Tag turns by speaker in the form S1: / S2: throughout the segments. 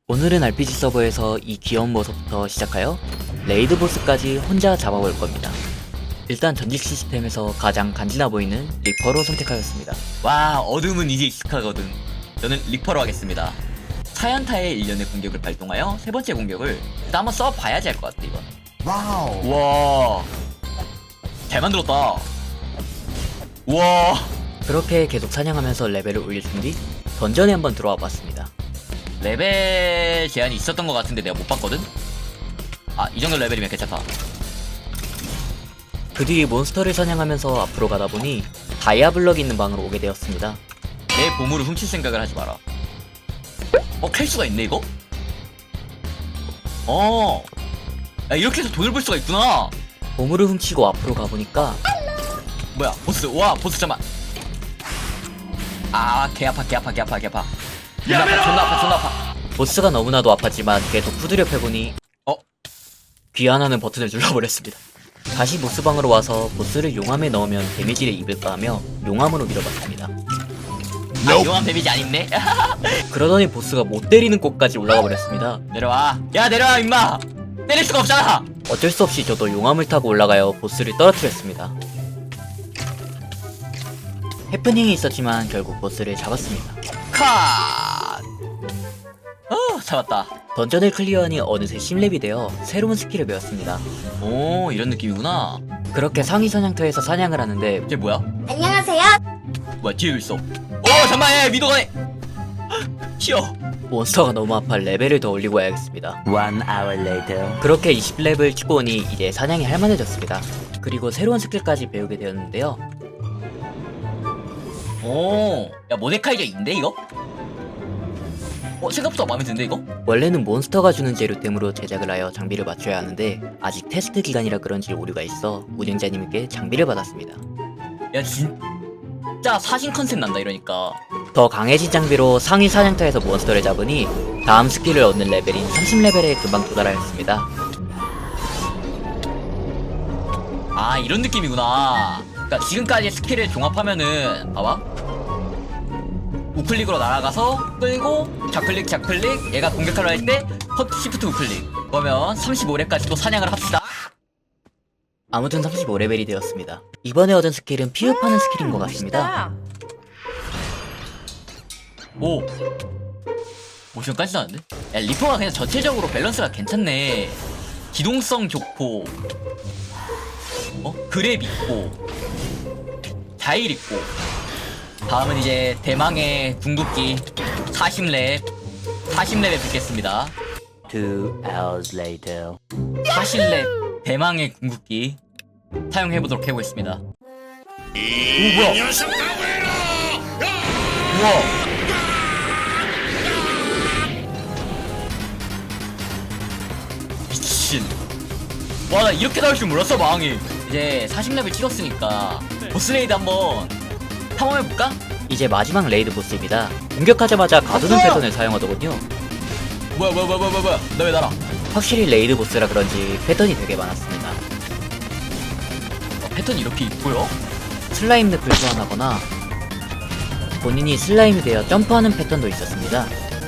S1: 오늘은 RPG 서버에서 이 귀여운 모습부터 시작하여 레이드 보스까지 혼자 잡아볼 겁니다. 일단 전직 시스템에서 가장 간지나 보이는 리퍼로 선택하였습니다.
S2: 와, 어둠은 이제 익숙하거든. 저는 리퍼로 하겠습니다. 사연타의 일련의 공격을 발동하여 세 번째 공격을 일단 한번 써봐야지 할 것 같아. 이건
S3: 와우.
S2: 와, 잘 만들었다. 와,
S1: 그렇게 계속 사냥하면서 레벨을 올려준 뒤 던전에 한번 들어와 봤습니다.
S2: 레벨 제한이 있었던 것 같은데 내가 못 봤거든? 아, 이 정도 레벨이면 괜찮다.
S1: 그 뒤 몬스터를 사냥하면서 앞으로 가다 보니 다이아 블럭이 있는 방으로 오게 되었습니다.
S2: 내 보물을 훔칠 생각을 하지 마라. 캘 수가 있네 이거? 야, 이렇게 해서 돈을 벌 수가 있구나.
S1: 보물을 훔치고 앞으로 가보니까
S2: 뭐야, 보스. 와, 보스 잠만. 아, 개 아파. 존나 아파.
S1: 보스가 너무나도 아팠지만 계속 후드려 패보니 귀환하는 버튼을 눌러버렸습니다. 다시 보스방으로 와서 보스를 용암에 넣으면 데미지를 입을까 하며 용암으로 밀어봤습니다.
S2: 아, 용암 데미지 안 입네?
S1: 그러더니 보스가 못 때리는 곳까지 올라가 버렸습니다.
S2: 내려와. 야, 내려와 임마. 때릴 수가 없잖아.
S1: 어쩔 수 없이 저도 용암을 타고 올라가여 보스를 떨어뜨렸습니다. 해프닝이 있었지만 결국 보스를 잡았습니다.
S2: 컷. 잡았다.
S1: 던전을 클리어하니 어느새 10렙이 되어 새로운 스킬을 배웠습니다.
S2: 오, 이런 느낌이구나.
S1: 그렇게 상위 사냥터에서 사냥을 하는데
S2: 이게 뭐야?
S4: 안녕하세요.
S2: 뭐야, 뒤에 있어. 잠깐만, 야, 미도가네. 튀어.
S1: 몬스터가 너무 아파 레벨을 더 올리고 와야겠습니다.
S3: 1 hour later.
S1: 그렇게 20렙을 치고 오니 이제 사냥이 할만해졌습니다. 그리고 새로운 스킬까지 배우게 되었는데요.
S2: 야, 모데카이저인데 이거? 생각보다 마음에 드는데 이거?
S1: 원래는 몬스터가 주는 재료템으로 제작을 하여 장비를 맞춰야 하는데 아직 테스트 기간이라 그런지 오류가 있어 운영자님께 장비를 받았습니다.
S2: 야, 진짜 사신 컨셉 난다 이러니까.
S1: 더 강해진 장비로 상위 사냥터에서 몬스터를 잡으니 다음 스킬을 얻는 레벨인 30레벨에 금방 도달하였습니다.
S2: 아, 이런 느낌이구나. 그러니까 지금까지 스킬을 종합하면은 봐봐, 우클릭으로 날아가서 끌고 좌클릭 얘가 공격하려 할 때 시프트 우클릭. 그러면 35렙까지 또 사냥을 합시다.
S1: 아무튼 35레벨이 되었습니다. 이번에 얻은 스킬은 피흡하는 스킬인 것 같습니다.
S2: 오, 모션까지 나는데? 야, 리퍼가 그냥 전체적으로 밸런스가 괜찮네. 기동성 좋고, 그랩 있고, 자일 있고. 다음은 이제 대망의 궁극기 40렙에 붙겠습니다.
S3: 2 hours later.
S2: 40렙 대망의 궁극기 사용해보도록 해보겠습니다. 오, 뭐야? 우와. 미친. 와, 나 이렇게 나올 줄 몰랐어. 망이. 이제 40렙을 찍었으니까 보스레이드 한번 탐험해볼까?
S1: 이제 마지막 레이드 보스입니다. 공격하자마자 가두는 패턴을 사용하더군요.
S2: 뭐야. 너 왜 날아?
S1: 확실히 레이드 보스라 그런지 패턴이 되게 많았습니다.
S2: 패턴이 이렇게 보여?
S1: 슬라임 늪을 소환하거나 본인이 슬라임이 되어 점프하는 패턴도 있었습니다.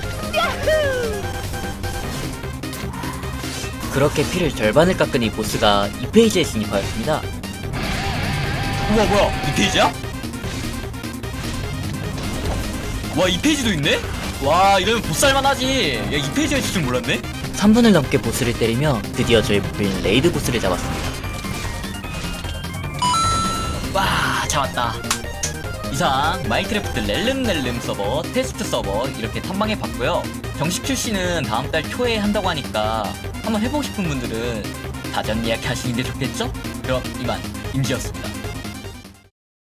S1: 그렇게 피를 절반을 깎으니 보스가 2페이지에 진입하였습니다.
S2: 우와, 뭐야? 2페이지야? 와, 2페이지도 있네? 와, 이러면 보스할만 하지. 야, 2페이지가 있을 줄 몰랐네?
S1: 3분을 넘게 보스를 때리며 드디어 저의 목표인 레이드 보스를 잡았습니다.
S2: 와, 잡았다. 이상 마인크래프트 렐름렐름 서버, 테스트 서버 이렇게 탐방해봤고요. 정식 출시는 다음 달 초에 한다고 하니까 한번 해보고 싶은 분들은 사전 예약하시는 게 좋겠죠? 그럼 이만 임지였습니다.